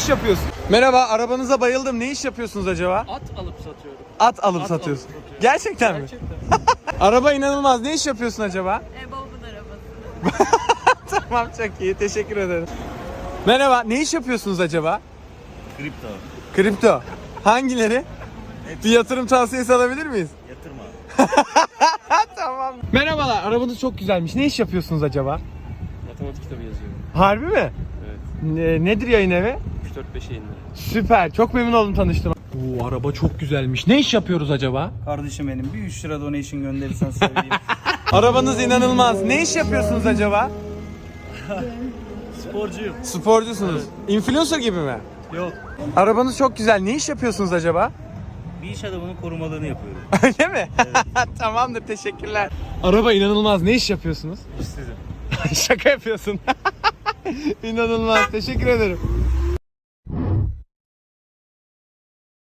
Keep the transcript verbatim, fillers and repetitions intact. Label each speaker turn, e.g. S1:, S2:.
S1: iş yapıyorsun? Merhaba, arabanıza bayıldım. Ne iş yapıyorsunuz acaba?
S2: At alıp satıyorum.
S1: At alıp
S2: At
S1: satıyorsun.
S2: alıp satıyorum.
S1: Gerçekten mi?
S2: Gerçekten.
S1: Araba inanılmaz. Ne iş yapıyorsun acaba?
S3: E, babamın arabası.
S1: Tamam, çok iyi. Teşekkür ederim. Merhaba, ne iş yapıyorsunuz acaba?
S4: Kripto.
S1: Kripto. Hangileri? Bir yatırım tavsiyesi alabilir miyiz?
S4: Yatırma.
S1: Tamam. Merhabalar, arabanız çok güzelmiş. Ne iş yapıyorsunuz acaba?
S2: Matematik kitabı yazıyorum.
S1: Harbi mi?
S2: Evet.
S1: Ne, nedir yayın evi?
S2: üç dört beş yayınları.
S1: Süper, çok memnun oldum tanıştığıma. Oo, araba çok güzelmiş. Ne iş yapıyoruz acaba?
S5: Kardeşim benim bir üç lira donation gönderirsen seveyim.
S1: Arabanız inanılmaz. Ne iş yapıyorsunuz acaba?
S4: Sporcuyum.
S1: Sporcusunuz. Influencer gibi mi?
S4: Yok.
S1: Arabanız çok güzel. Ne iş yapıyorsunuz acaba?
S4: Bir iş adamının korumalığını yapıyorum.
S1: Öyle mi? Tamamdır, teşekkürler. Araba inanılmaz. Ne iş yapıyorsunuz?
S4: İşsizim.
S1: Şaka yapıyorsun. İnanılmaz. Teşekkür ederim.